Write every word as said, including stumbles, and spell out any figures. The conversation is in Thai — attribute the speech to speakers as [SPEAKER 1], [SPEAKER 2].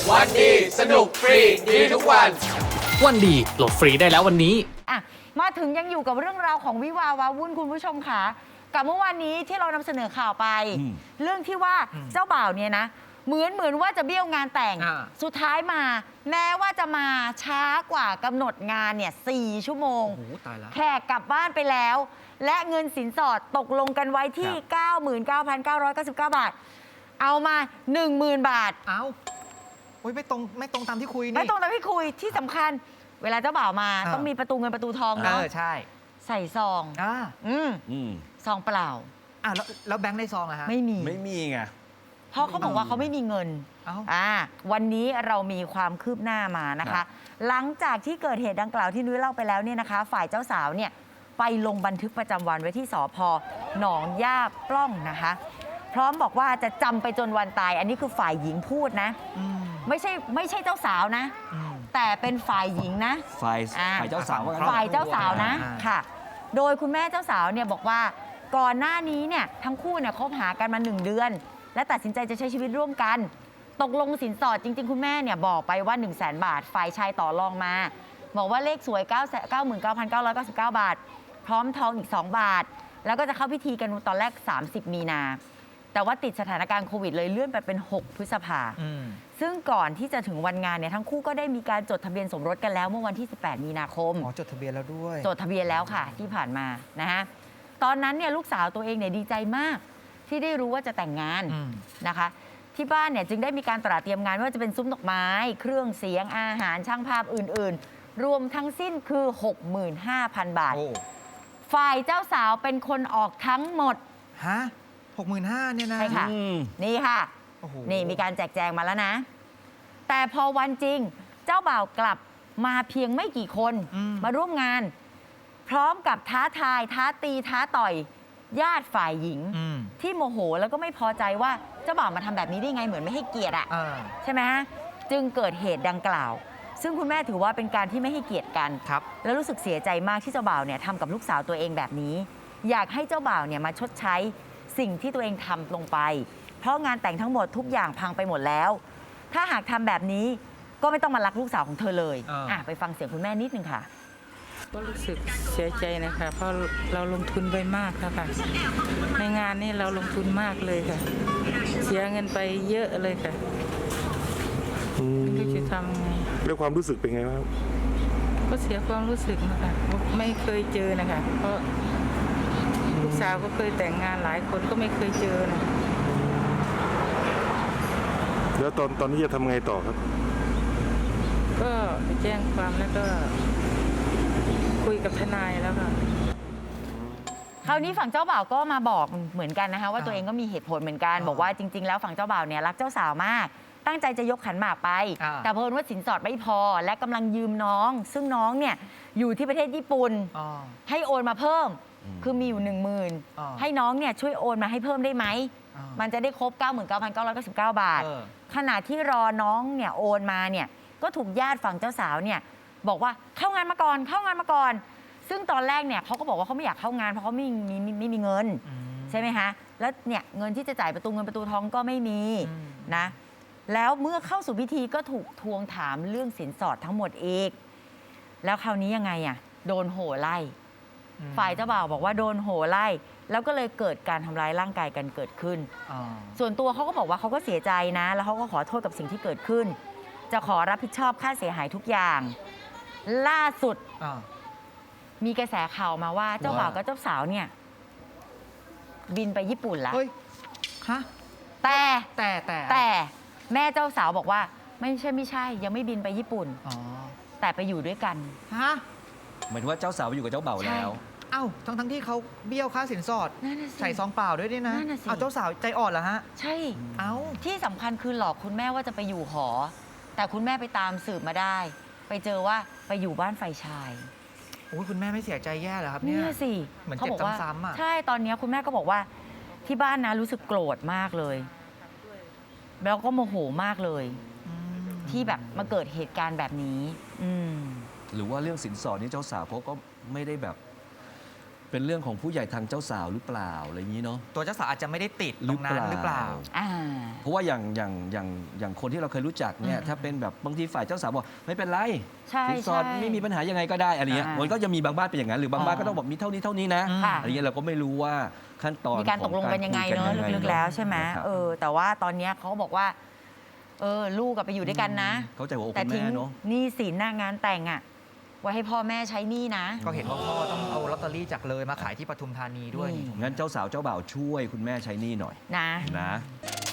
[SPEAKER 1] วันดีสนุกฟรีดีทุกวัน
[SPEAKER 2] วันดีโหลดฟรีได้แล้ววันนี้
[SPEAKER 3] อ่ะมาถึงยังอยู่กับเรื่องราวของวิวาวาวุ่นคุณผู้ชมค่ะกับเมื่อวานนี้ที่เรานำเสนอข่าวไป เรื่องที่ว่าเจ้าบ่าวเนี่ยนะเหมือนเหมือนว่าจะเบี้ยวงานแต่งสุดท้ายมาแม้ว่าจะมาช้ากว่ากำหนดงานเนี่ยสี่ชั่วโมงแขกกลับบ้านไปแล้ว และเงินสินสอดตกลงกันไว้ที่ เก้าหมื่นเก้าพันเก้าร้อยเก้าสิบเก้า บาทเอามา หนึ่งหมื่น บาท
[SPEAKER 4] เอาโอ้ยไม่ตรงไม่ตรงตามที่คุยนี่
[SPEAKER 3] ไม่ตรงตามที่คุยที่สำคัญเวลาเจ้าบ่าวมาต้องมีประตูเงินประตูทองเนาะ
[SPEAKER 4] ใช่
[SPEAKER 3] ใส่ซอง
[SPEAKER 4] อ่า
[SPEAKER 3] อืมซองเปล่า
[SPEAKER 4] อ่าแล้วแล้วแบงค์ในซองอะฮะ
[SPEAKER 3] ไม่มี
[SPEAKER 1] ไม่มีไง
[SPEAKER 3] เพราะเขาบอกว่าเขาไม่มีเงินอ่าวันนี้เรามีความคืบหน้ามานะคะ หลังจากที่เกิดเหตุดังกล่าวที่นุ้ยเล่าไปแล้วเนี่ยนะคะ ฝ่ายเจ้าสาวเนี่ยไปลงบันทึกประจำวันไว้ที่สภ.หนองย่าปล้องนะคะพร้อมบอกว่าจะจำไปจนวันตายอันนี้คือฝ่ายหญิงพูดนะไม่ใช่ไม่ใช่เจ้าสาวนะแต่เป็นฝ่ายหญิงนะ
[SPEAKER 1] ฝ่ายฝ่ายเจ้าสาว
[SPEAKER 3] ฝ่ายเจ้าสาวนะค่ะโดยคุณแม่เจ้าสาวเนี่ยบอกว่าก่อนหน้านี้เนี่ยทั้งคู่เนี่ยคบหากันมาหนึ่งเดือนและตัดสินใจจะใช้ชีวิตร่วมกันตกลงสินสอดจริงๆคุณแม่เนี่ยบอกไปว่า หนึ่งแสน บาทฝ่ายชายต่อรองมาบอกว่าเลขสวย เก้าหมื่นเก้าพันเก้าร้อยเก้าสิบเก้า บาทพร้อมทองอีกสองบาทแล้วก็จะเข้าพิธีกันตอนแรกสามสิบมีนาแต่ว่าติดสถานการณ์โควิดเลยเลื่อนไปเป็นหกพฤษภาซึ่งก่อนที่จะถึงวันงานเนี่ยทั้งคู่ก็ได้มีการจดทะเบียนสมรสกันแล้วเมื่อวันที่สิบแปดมีนาคม
[SPEAKER 4] อ๋อจดทะเบียนแล้วด้วย
[SPEAKER 3] จดทะเบียนแล้วค่ะที่ผ่านมานะฮะตอนนั้นเนี่ยลูกสาวตัวเองเนี่ยดีใจมากที่ได้รู้ว่าจะแต่งงานนะคะที่บ้านเนี่ยจึงได้มีการตระเตรียมงานไม่ว่าจะเป็นซุ้มดอกไม้เครื่องเสียงอาหารช่างภาพอื่นๆรวมทั้งสิ้นคือ หกหมื่นห้าพัน บาทฝ่ายเจ้าสาวเป็นคนออกทั้งหมด
[SPEAKER 4] ฮะหกหมื่นห้าเนี่ยนะ
[SPEAKER 3] ใช่ค่ะนี่ค่ะนี่มีการแจกแจงมาแล้วนะแต่พอวันจริงเจ้าบ่าวกลับมาเพียงไม่กี่คนมาร่วมงานพร้อมกับท้าทายท้าตีท้าต่อยญาติฝ่ายหญิงที่โมโหแล้วก็ไม่พอใจว่าเจ้าบ่าวมาทำแบบนี้ได้ไงเหมือนไม่ให้เกียรติอ่ะใช่ไหมจึงเกิดเหตุดังกล่าวซึ่งคุณแม่ถือว่าเป็นการที่ไม่ให้เกียรติกันแล้วรู้สึกเสียใจมากที่เจ้าบ่าวเนี่ยทำกับลูกสาวตัวเองแบบนี้อยากให้เจ้าบ่าวเนี่ยมาชดใช้สิ่งที่ตัวเองทำลงไปเพราะงานแต่งทั้งหมดทุกอย่างพังไปหมดแล้วถ้าหากทำแบบนี้ก็ไม่ต้องมารักลูกสาวของเธอเลยอ่ะไปฟังเสียงคุณแม่นิดนึงค่ะ
[SPEAKER 5] ก็รู้สึกเสียใจนะคะเพราะเราลงทุนไปมากค่ะในงานนี้เราลงทุนมากเลยค่ะเสียเงินไปเยอะเลยค่ะไม่รู้จะทำไง
[SPEAKER 6] แล้วความรู้สึกเป็นไงบ้าง
[SPEAKER 5] ก็เสียความรู้สึกนะคะไม่เคยเจอนะคะเพราะลูกสาวก็เคยแต่งงานหลายคนก็ไม่เคยเจอนะ
[SPEAKER 6] แล้วตอนตอนนี้จะทำไงต่อครับ
[SPEAKER 5] ก็ไปแจ้งความแล้วก็คุยกับทนายแล้วค่ะ
[SPEAKER 3] คราวนี้ฝั่งเจ้าบ่าวก็มาบอกเหมือนกันนะคะว่าตัวเองก็มีเหตุผลเหมือนกันบอกว่าจริงๆแล้วฝั่งเจ้าบ่าวเนี่ยรักเจ้าสาวมากตั้งใจจะยกขันหมากไปแต่เพิ่นว่าสินสอดไม่พอและกำลังยืมน้องซึ่งน้องเนี่ยอยู่ที่ประเทศญี่ปุ่นให้โอนมาเพิ่มคือมีอยู่หนึ่งหมื่นให้น้องเนี่ยช่วยโอนมาให้เพิ่มได้ไหมมันจะได้ครบ เก้าหมื่นเก้าพันเก้าร้อยเก้าสิบเก้า บาทขณะที่รอน้องเนี่ยโอนมาเนี่ยก็ถูกญาติฝั่งเจ้าสาวเนี่ยบอกว่าเข้างานมาก่อนเข้างานมาก่อนซึ่งตอนแรกเนี่ยเขาก็บอกว่าเขาไม่อยากเข้างานเพราะเขาไม่มีไม่มีเงินใช่ไหมคะแล้วเนี่ยเงินที่จะจ่ายประตูเงินประตูทองก็ไม่มีนะแล้วเมื่อเข้าสู่พิธีก็ถูกทวงถามเรื่องสินสอดทั้งหมดอีกแล้วคราวนี้ยังไงอ่ะโดนโห่ไล่ฝ่ายเจ้าบ่าวบอกว่าโดนโห่ไล่แล้วก็เลยเกิดการทำร้ายร่างกายกันเกิดขึ้นส่วนตัวเขาก็บอกว่าเขาก็เสียใจนะแล้วเขาก็ขอโทษกับสิ่งที่เกิดขึ้นจะขอรับผิดชอบค่าเสียหายทุกอย่างล่าสุดมีกระแสข่าวมาว่าเจ้าบ่าวกับเจ้าสาวเนี่ยบินไปญี่ปุ่นแล้ว
[SPEAKER 4] ฮะ
[SPEAKER 3] แต่
[SPEAKER 4] แต่แต่
[SPEAKER 3] แต่แม่เจ้าสาวบอกว่าไม่ใช่ไม่ใช่ยังไม่บินไปญี่ปุ่นแต่ไปอยู่ด้วยกัน
[SPEAKER 4] ฮะ
[SPEAKER 1] เหมือนว่าเจ้าสาวอยู่กับเจ้าบ่าวแล้ว
[SPEAKER 4] เอ้าทั้งทั้งที่เขาเบี้ยวค่าสินสอดใส่ซองเปล่าด้วยดินะเอาเจ้าสาวใจอ่อนเหรอฮะ
[SPEAKER 3] ใช่
[SPEAKER 4] เอ้า
[SPEAKER 3] ที่สำคัญคือหลอกคุณแม่ว่าจะไปอยู่หอแต่คุณแม่ไปตามสืบมาได้ไปเจอว่าไปอยู่บ้านฝ่ายชาย
[SPEAKER 4] โอ้ยคุณแม่ไม่เสียใจแย่เหรอครับเนี่ย
[SPEAKER 3] สิ
[SPEAKER 4] เหมือนเจ็บซ้ำๆอ่ะ
[SPEAKER 3] ใช่ตอนนี้คุณแม่ก็บอกว่าที่บ้านนะรู้สึกโกรธมากเลยแล้วก็โมโหมากเลยที่แบบมาเกิดเหตุการณ์แบบนี้
[SPEAKER 1] หรือว่าเรื่องสินสอดนี่เจ้าสาวเขาก็ไม่ได้แบบเป็นเรื่องของผู้ใหญ่ทางเจ้าสาวหรือเปล่าอะไรอย่างนี้เนาะ
[SPEAKER 4] ตัวเจ้าสาวอาจจะไม่ได้ติดตรงนั้นหรือเปล่า
[SPEAKER 3] อ่า
[SPEAKER 1] เพราะว่าอย่างอย่างอย่างอย่างคนที่เราเคยรู้จักเนี่ยถ้าเป็นแบบบางทีฝ่ายเจ้าสาวบอกไม่เป็นไร
[SPEAKER 3] ใช่
[SPEAKER 1] สินสอด
[SPEAKER 3] ใช่
[SPEAKER 1] ไม่มีปัญหายังไงก็ได้อะไรเงี้ย
[SPEAKER 3] อ่ามั
[SPEAKER 1] มันก็จะมีบางบ้านเป็นอย่างนั้นหรือบางบ้านก็ต้องบอกมีเท่านี้เท่านี้นะ
[SPEAKER 3] ค่ะ
[SPEAKER 1] อะไรเงี้ยเราก็ไม่รู้ว่าขั้นตอน
[SPEAKER 3] มีการตกลงกันยังไงเนอะ
[SPEAKER 1] ของารคุ
[SPEAKER 3] ลึกๆแล้วใช่ไหม
[SPEAKER 1] นะครับ
[SPEAKER 3] เออแต่ว่าตอนเนี้ยเขาบอกว่า เออลูกกับไปอยู่ด้วยกันนะ
[SPEAKER 1] เข้าใจหัวอก
[SPEAKER 3] แต่
[SPEAKER 1] คุณ
[SPEAKER 3] ทิ้ง
[SPEAKER 1] แม่เนาะ
[SPEAKER 3] หนี้สินหน้างานแต่งอ่ะไว้ให้พ่อแม่ใช้หนี้นะ
[SPEAKER 4] ก็เห็นว่าพ่อต้องเอาลอตเตอรี่จากเลยมาขายที่ปทุมธานีด้วย
[SPEAKER 3] นี่
[SPEAKER 1] งั้นเจ้าสาวเจ้าบ่าวช่วยคุณแม่ใช้หนี้หน่อย
[SPEAKER 3] นะ
[SPEAKER 1] นะ